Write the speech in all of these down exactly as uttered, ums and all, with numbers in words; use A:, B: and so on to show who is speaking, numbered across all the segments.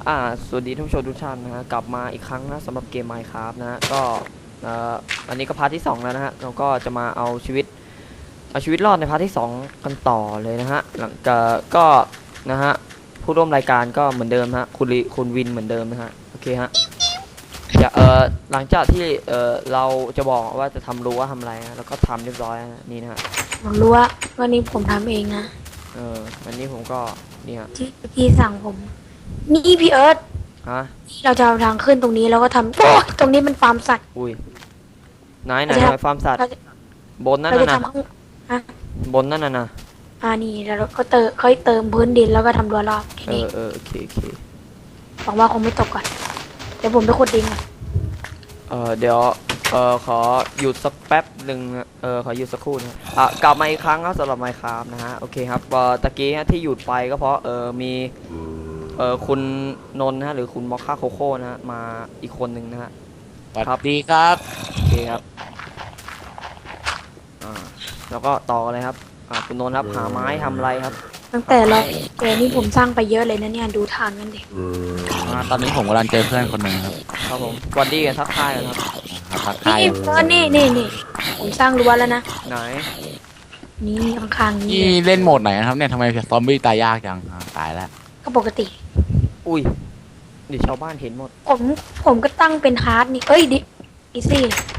A: อ่าสวัสดีท่านผู้ชมทุกท่านนะฮะกลับมาอีกครั้งนะสำหรับเกม Minecraft นะฮะก็เอ่ออันนี้ก็พาร์ทที่สองแล้วนะฮะเราก็จะมาเอาชีวิตเอาชีวิตรอดในพาร์ทที่สองกันต่อเลยนะฮะหลังจากก็นะฮะผู้ร่วมรายการก็เหมือนเดิมฮะคุณลิคุณวินเหมือนเดิมนะฮะโอเคฮะจะเอ่อหลังจากที่เอ่อเราจะบอกว่าจะทำรั้วทำอะไรนะแล้วก็ทำเรียบร้อยนะนี่นะฮะ
B: ผมรู้ว่าวันนี้ผมทำเองนะ
A: เออวันนี้ผมก็นี่ฮะ
B: ที่พี่สั่งผม นี่พี่เอิร์ธ
A: ฮะ
B: เราจะเอาทางขึ้นตรงนี้แล้วก็ทำโอ้ยตรงนี้มันฟาร์มสัตว์
A: อุ้ยไหนไหน
B: เราจะ
A: ไหนฟาร์มสัตว์
B: เราจะ
A: บนนั่น
B: เราจะ
A: น่ะนะ
B: ทำข้างฮะ
A: บนนั่นน่ะนะ
B: อ่านี่แล้วเราก็เติมค่อยเติมพื้นดินแล้วก็ทำรั้วรอบแค่
A: เอ
B: นี้
A: อเออโอเคโอเค
B: หวังว่าคงไม่ตกก่อนเดี๋ยวผมไปขุดดินก่อน
A: เออเดี๋ยวเออขอหยุดสักแป๊บหนึ่งนะเออขอหยุดสักครู่นะอ่ะกลับมาอีกครั้งครับสำหรับ Minecraft นะฮะโอเคครับเออตะกี้ฮะที่หยุดไปก็เพราะเออมีเออคุณนนท์นะฮะหรือคุณมอคค่าโคโค่นะฮะมาอีกคนหนึ่งนะฮะ
C: สวัสดีครับ
A: โอเคครับอ่าแล้วก็ต่อเลยครับอ่าคุณนนท์ครับหาไม้ทำอะไรครับ
B: ตั้งแต่เราเจอนี่ผมสร้างไปเยอะเลยนะเนี่ยดูทานกันดิ
C: อ่าตอนนี้ผมกำลังเจอเพื่อนคนหนึ่งครับ
A: ครับผมสวัสดีกันทักทายกันครับ
C: ครับทัก
B: นี่
C: ทาย
B: เออนี่นี่นี่ผมสร้างรั้วแล้วนะ
A: ไหน
B: นี่ข้างๆนี่
C: นี่เล่นโหมดไหนนะครับเนี่ยทำไมซอมบี้ตายยากจังอ่าตายแล้ว
B: ก็ปกติ
A: อุ้ยเดี๋ยวชาวบ้านเห็นหมด
B: ผมผมก็ตั้งเป็นฮาร์ดนี่เอ้ยดิอีซี่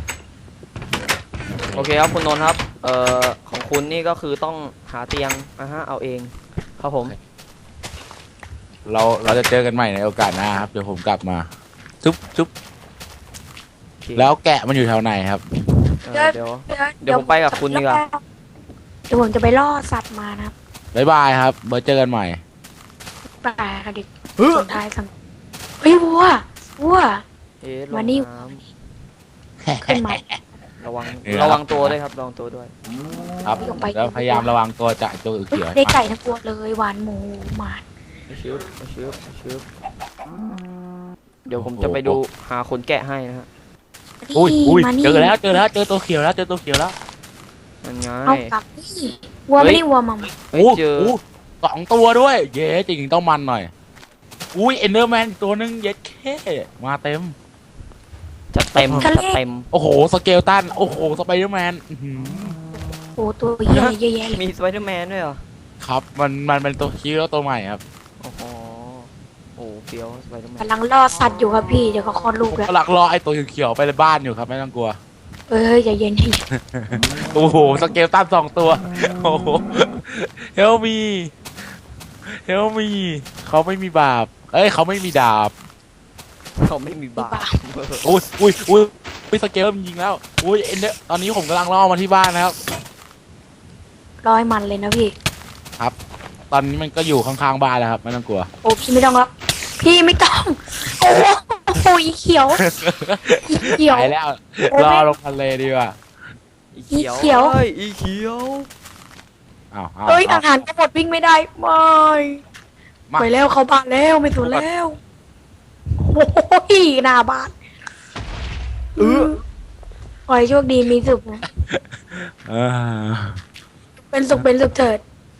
A: โอเคครับคุณนนท์ครับ เอ่อของคุณนี่ก็คือต้องหาเตียงนะฮะเอาเองครับผม
C: เราเราจะเจอกันใหม่ในโอกาสหน้าครับเดี๋ยวผมกลับมาจุ๊บจุ๊บ
A: โอเค
C: แล้วแกะมันอยู่แถวไหนครับ
A: เออเดี๋ยว เดี๋ยวผมไปกับคุณดีกว่า
B: เดี๋ยวผมจะไปล่อสัตว์มานะครับ
C: บ๊ายบายครับเบอร์เจอกันใหม่
B: ไปค่ะดิสุดท้ายสั่งเฮ้ยวัววัว
A: เอ๊ะลง
B: มานี่
A: น้
B: ขึ้นมา
A: ำระวัง
C: เออ
A: ระวังตัวด้วยครับระวังตัวด้วย
C: ครับ
B: ลงไป
C: แล้วพยายามระวังตัวจากตัวอื่น
B: เฮ้ย
C: เขียว
B: ได้ไก่ทั้งตัวเลยหวานหมูหมา
A: ไม่ชืบไม่ชืบไม่ชืบเดี๋ยวผมจะไปดูหาคนแกะให้นะฮะ
C: อุ้ยอุ้ย
B: มานี่
C: เจอแล้วเจอแล้วเจอตัวเขียวแล้วเจอตัวเขียวแล้ว
A: นั่นไง
B: เอากลับนี่วัวไม่ได้วัวมัม
A: เฮ้ย
C: โอ้
A: เจอ
C: โหสองตัวด้วย เย้จริงๆต้องมันหน่อยอุ้ยเอนเดอร์แมนตัวนึงเย็ดแค่มาเต็ม
A: จะเต็มจะเต็ม
C: โอ้โหสเกลตันโอ้โหสไปเดอร์แมนอื้อหือ
B: โอ้ตัวเหี้ยเยอะแยะเลย
A: มีสไปเดอร์แมนด้วยเหรอ
C: ครับมันมันเป็นตัวคิวตัวใหม่ครับ
A: โอ้โหโอ้เฟี้ยวสไปเดอร์แมน
B: กำลังล่อสัตว์อยู่ครับพี่เดี๋ยวเขาคลอดลูก
C: ผม
B: แล้ว
C: กำลังรอไอ้ตัวเขียวๆไปในบ้านอยู่ครับไม่ต้องกลัว
B: เอ้ยใจเย็นใจเย็น
C: โอ้โหสเกลตันสองตัวโอ้โหเฮลมีเฮลมีเขาไม่มีบาปเอ้ยเขาไม่มีดาบ
A: เขาไม่มีบาป
C: อุ้ยอุ้ยอุ้ยอุ้ยสเกลมันยิงแล้วอุ้ยเอ็นเดอร์ตอนนี้ผมกำลังล่อมาที่บ้านนะครับ
B: ร้อยมันเลยนะพี่
C: ตอนนี้มันก็อยู่ข้างๆบ้านแล้วครับไม่ต้องกลัว
B: โอ้พี่ไม่ต้องแล้วพี่ไม่ต้องโอ้โหอีเขียวอีเขียว
C: ไปแล้ว
B: โอ้
C: รอ
B: แม่
C: ลงทะเลดีกว่า
A: อีเขียว
B: อีเขียว
A: อ้อีเขียว
C: อ้าวอ้าว
B: เอ้ย
C: อ้า
B: อาว หารก็หมดวิ่งไม่ได้ไม่
C: มา
B: ไปแล้วเขาบ้านแล้วไม่สนแล้วโอ้ยหน้าบ้าน
A: เออ
B: ขอให้โชคดีมีสุขนะ
C: เออ
B: เป็นสุขเป็นสุขเถิด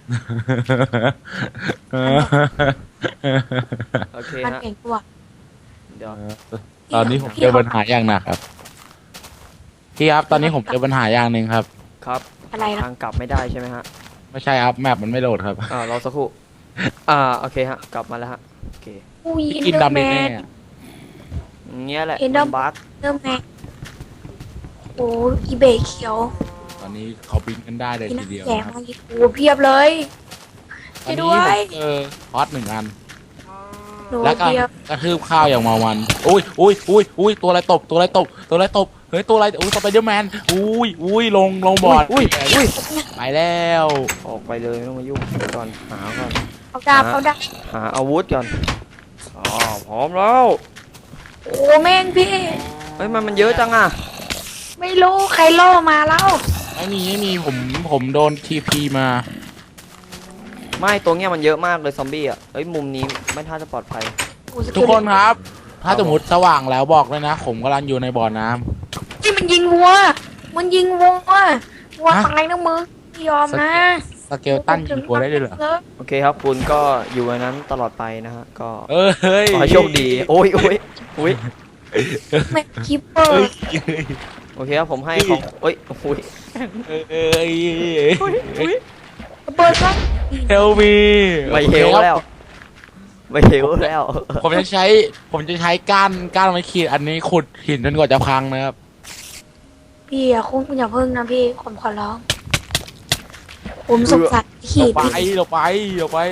A: โอเค
B: มัน
A: ฮะ
B: เก่งตัว
A: เดี๋ยว
C: ตอนนี้ผมเจอปัญหาอย่างหนักครับพี่ครับตอนนี้ผมเจอปัญหาอย่างหนึ่งครับ
A: ครับ
B: อะไรนะ
A: ทางกลับไม่ได้ใช่ไหมฮะ
C: ไม่ใช่ครับแมปมันไม่โหลดครับ
A: อ่ารอสักครู่อ่าโอเคฮะกลับมาแล้วฮะโอเค
B: อุ้ย
C: พี่
B: เอ็น
C: กิน
B: เดอร์
C: ดำ
B: แม
C: แน่
B: น
A: อย่างเงี้ยแหละ
B: เห็นดอก
A: มันบั๊ก
B: เดอร์แมนโอ้ยอีเบย์เขียว
C: ๆตอนนี้เขาบินกันได้เลย
B: พี่
C: ที
B: นัก
C: เดียว
B: แย่
C: นะครับ
B: มาอีกโอ้เพียบเลย
C: ตอน
B: ช่วย
C: นี้
B: ด้ว
C: ผ
B: ย
C: มเจอฮอตหนึ่งอัน
B: หนู
C: แล้วก็
B: เพียบ
C: กระทืบข้าวอย่างเมามันอุ้ยอุ้ยอุ้ยอุ้ยตัวอะไรตบตัวอะไรตบตัวอะไรตบเฮ้ยตัวอะไรอุ้ยสไปเดอร์แมนอุ้ยอุ้ยลงลงบอร์ด
A: อุ้ยอุ้ย
C: ไปแล้ว
A: ออกไปเลยไม่ต้องมายุ่งเดี๋ยวก่อนหาก่อน
B: เอาดาบเอาดาบ
A: หาอาวุธก่อนอ๋อพร้อมแล้ว
B: โอ้แม่งพี่
A: เฮ้ยมันมันเยอะจังอ่ะ
B: ไม่รู้ใครล่อมาแล้ว
C: ไม่มีไม่มีผมผมโดนทีพีมา
A: ไม่ตัวเนี้ยมันเยอะมากเลยซอมบี้อ่ะเฮ้ยมุมนี้ไม่ท่าจะปลอดภัย
C: ทุกคนครับ ถ้าสมมติสว่างแล้วบอกเลยนะ ผมกำลังอยู่ในบ่อน้ำ
B: นี่มันยิงวัว มันยิงวัววัว
C: ฮะ
B: ตายนะมึงไม่ยอมนะ
C: สเกลตันยิงตัวได้ด้วยเหรอ
A: โอเคครับคุณก็อยู่ในนั้นตลอดไปนะฮะก็
C: เออเฮ้ย
A: ขอให้โชคดีโอ้ยโอ้ยโอ้ย
B: ไม่คิปเปอ
C: เฮ้ย
B: ร์
A: โอเคครับผมให้ของโอ้ยโอ้ย
C: เอ้ย
B: เปิดก็
C: เฮลมี
A: ไม่เฮลแล้วไม่เฮลแล้ว
C: ผมจะใช้ ผมจะใช้ก้านก้านไม้ขีดอันนี้ขุดหินจนกว่าจะพังนะครับ
B: พี่อย่าคุ้มอย่าเพิ่งนะพี่ผมขอร้อง ผมสงสารขี
C: เรา
B: ด
C: ไป
B: พี่
C: เราไปเราไป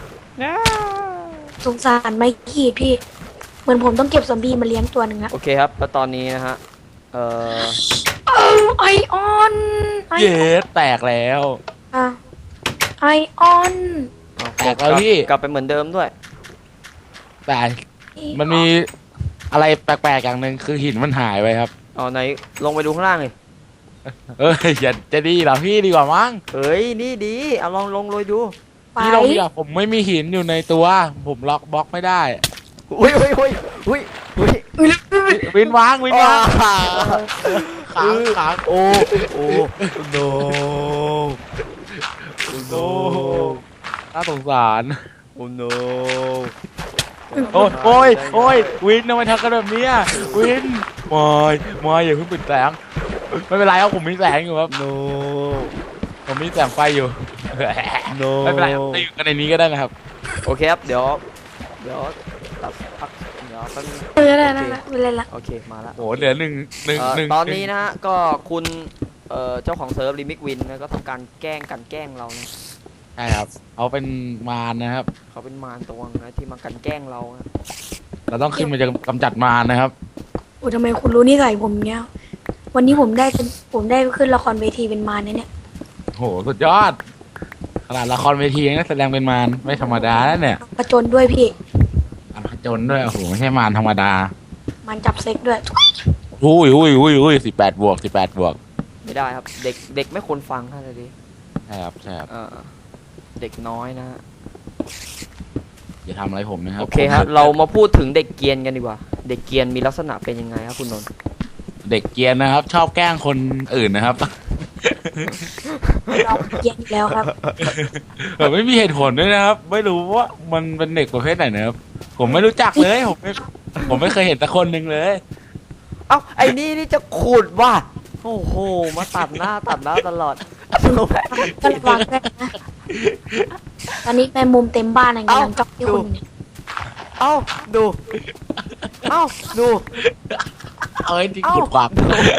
B: สงสารไม่ขีดพี่ เหมือนผมต้องเก็บซอมบี้มาเลี้ยงตัวหนึ่งอะ
A: โอเคครับแล้วตอนนี้นะฮะเอ่อ
B: ไอออนไอ
C: เย้แตกแล้ว
B: ไอออน
A: เอา
C: แตกแล้วพี่
A: กลับไปเหมือนเดิมด้วย
C: แต่มันมีอะไรแปลกๆอย่างหนึ่งคือหินมันหายไปครับ
A: เอาไหนลงไปดูข้างล่างเลย
C: เอ้ยอย่าจะดีเหรอพี่ดีกว่ามั้ง
A: เฮ้ยนี่ดีเอาลองลงเลยดู
B: ไป
C: พี่ลองดีกว่าผมไม่มีหินอยู่ในตัว ผมล็อกบล็อกไม่ได้
A: อุ้ยอุ้ยอุ้ยอุ้ยอุ้ย
C: วินวางวินวาง
A: อ่า
C: ขังขัง
A: โอ้โอ้โน
C: โอ้น่าสงสาร
A: โอ้โน
C: โอ้ยโอ้ยโอ้ยวินทำไมทำกันแบบเนี้ยวินมอยมอยอย่าเพิ่งปิดแสงไม่เป็นไรครับผมมีแสงอยู่ครับ
A: โน
C: ผมมีแสงไฟอยู่
A: โน
C: ไม่เป็นไรครับจะอยู่กันในนี้ก็ได้นะครับ
A: โอเคครับเดี๋ยวเดี๋ยวตัดพักเดี๋ยวแป๊บนึง
B: เออได้ได้ได้ไม่เล่นละ
A: โอเคมาละ
C: โหเหลือหนึ่งหนึ่ง
A: เอ่อ
C: หนึ่ง
A: ตอนนี้นะฮะก็คุณเอ่อเจ้าของเซิร์ฟลิมิกวินนะก็ทำการแกล้งกันแกล้งเรานะ
C: ใช่ครับเอาเป็นมารนะครับ
A: เขาเป็นมารตัวนึงนะที่มากันแกล้งเรานะ
C: เราต้องขึ้นมาจะกำจัดมารนะครับ
B: โอ้ทำไมคุณรู้นิสัยผมเนี้ยวันนี้ผมได้เป็นผมได้ขึ้นละครเวทีเป็นมารนะเนี่ย
C: โหสุดยอดขนาดละครเวทียังนักแสดงเป็นมารไม่ธรรมดาแล้วเนี่ย
B: ประจนด้วยพี่
C: อันผจญด้วยโอ้โหไม่ใช่มารธรรมดา
B: มันจับเซ็กด้วย
C: อุ้ยอุ้ยอุ้ยอุ้ยสิบแปดบวกสิบแปดบวก
A: ไม่ได้ครับเด็กเด็กไม่ควรฟังท่านเลยดิ
C: ใช่ครับใช่ครับ
A: เออเด็กน้อยนะฮะ
C: อย่าทำอะไรผมนะครับ
A: โอเคครับเรามาพูดถึงเด็กเกรียนกันดีกว่า เด็กเกรียนมีลักษณะเป็นยังไงครับคุณนนท์
C: เด็กเกรียนนะครับ ชอบแกล้งคนอื่นนะครับ
B: เราเกลียนอยู่แล้วครับ
C: แบบไม่มีเหตุผลด้วยนะครับ ไม่รู้ว่ามันเป็นเด็กประเภทไหนนะครับ ผมไม่รู้จักเลยผมไม่ผมไม่เคยเห็นสักคนหนึ่งเลย
A: เอ้าไอ้นี่นี่จะขุดว่ะโอ้โหมาตัดหน้าตัดหน้าตลอด
B: ก็ระวังด้วยนะตอนนี้แมงมุมเต็มบ้านอะไรกำลังจ้องที่คุณเนี่ย
A: เอ้าดูเอ้าดู
C: เอ้ยที่ขุดปาก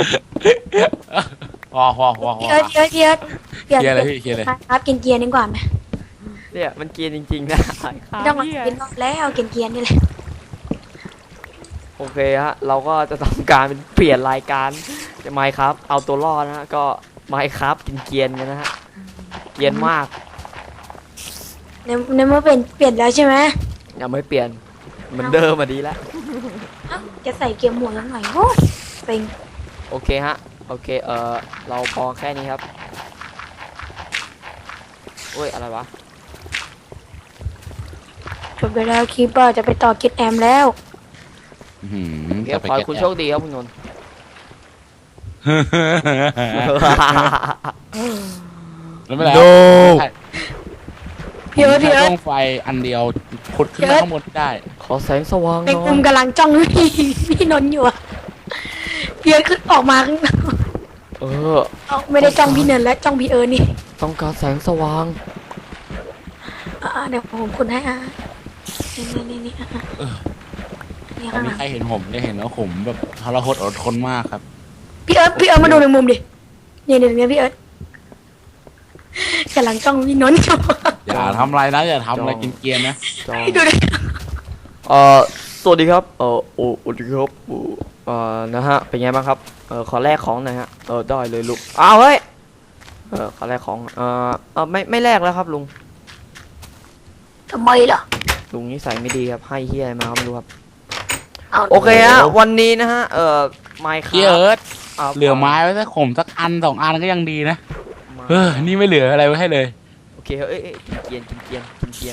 C: พอพอพอพอ
B: พี่เอิร์ธพี่เอิร์ธพี่เอิร์ธเปลี่ยน
C: เคลียร์เลยพี่เคลียร์เลย
B: ครับกินเกียร์ดีกว่าไหม
A: เนี่ยมันเกรียนจริงๆนะ
B: ไม่ต้องมากินรอบแล้วกินเกียร์นี่แหละ
A: โอเคฮะเราก็จะทำการเป็นเปลี่ยนรายการจะไมค์ครับ เอาตัวรอดนะฮะก็ไมค์ครับกินเกรียนกันนะฮะเกรียนมาก
B: ในในเมื่อเป็นเปลี่ยนแล้วใช่ไหม
A: ยังไม่เปลี่ยนเหมือนเดิมอ่ะดีแล้ว
B: เอ้าจะใส่เกียร์หมวกแล้วหน่อยโอ้ยเป็น
A: โอเคฮะโอเคเออเราพอแค่นี้ครับโอ้ยอะไรวะ
B: จบไปแล้วคีเปอร์จะไปต่อกิดแอมแล้ว
C: อื้อหือ
A: โอเค
C: จะไป
A: ขอให้
C: เก็บ
A: คุณโชคดีครับคุณนนท์
C: แล้วไม่แล้ว
A: โน
B: พี่เอิร์ธพี่เอิร์ธ
C: ต้องไฟอันเดียวขุดขึ้นมาข้างบนได้
A: ขอแสงสว่างห
B: ใน
A: น่
B: กลุ่
A: อ
B: ม
A: ย
B: กำลังจ้องพี่พี่นนท์อยู่อะพี่เอิร์ธขึ้นออกมาข้างนอก
A: เออ
B: เอ้าไม่ได้จ้องพี่เนินแล้วจ้องพี่เอิร์ธนี่
A: ต้องการแสงสว่าง
B: อ่าเดี๋ยวผมคุณให้อ่ะนี่นี่นี่นี่อ่ะนี่
C: ตอน
B: ข้างห
C: นี้
B: ลัง
C: ใครเห็นผมจะเห็นว่าผมแบบทรหดอดทนมากครับ
B: พี่เอิร์ธพี่เอิร์ธมาดูในมุมดิเนี่ยเนี่ยเนี่ยพี่เอิร์ธกำลังจ้องพี่นนท์อยู่
C: อย่าทำอะไรนะอย่าทำอะไรกินเกรียนๆนะ
A: จอง
B: ดูดิ
A: เอ่อสวัสดีครับเอ่อโอ้สวัสดีครับโอ้เอ่อนะฮะเป็นไงบ้างครับเอ่อขอแลกของหน่อยฮะเออได้เลยลูกอ้าวเฮ้ยเออขอแลกของเอ่อเออไม่ไม่แลกแล้วครับลุง
B: ทำไมล่ะ
A: ลุงนิสัยไม่ดีครับให้เฮียอะไรมาก็ไม่รู้ครับ
B: เอา
A: โอเคฮะวันนี้นะฮะเอ่อไมค์ค
C: พี่
A: รั
C: เอิร์ธ
A: บ
C: เหลือไม้ไว้สักข่มสักอันสองอันก็ยังดีนะเออนี่ไม่เหลืออะไรไว้ให้เลย
A: โอเคเอ้ยเอ้ยกินเกียนกินเกียนกินเกียน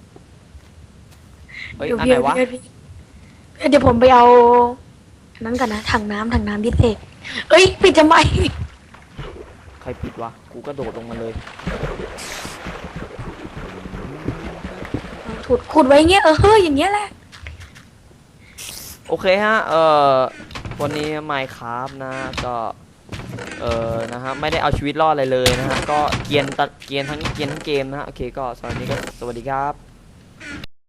A: เฮ้ย
B: เดี๋ยว
A: อัน
B: พี่
A: ไหน
B: เอิร์ธ
A: วะ
B: พี่เอิร์ธเดี๋ยวผมไปเอาอันนั้นกันนะถังน้ำถังน้ำพิเศษเอ้ยปิดทำไม
A: ใครปิดวะกูกระโดดลงมาเลย
B: ขุดขุดไว้เงี้ยเออเฮ้ยอย่างเงี้ยแหละ
A: โอเคฮะ เอ่อ วันนี้ Minecraft นะ ก็ เอ่อ นะฮะ ไม่ได้เอาชีวิตรอดอะไรเลยนะฮะ ก็เกรียนตัดเกรียนทั้งเกรียนทั้งเกมนะฮะ โอเค ก็สำหรับวันนี้ก็สวัสดีครับ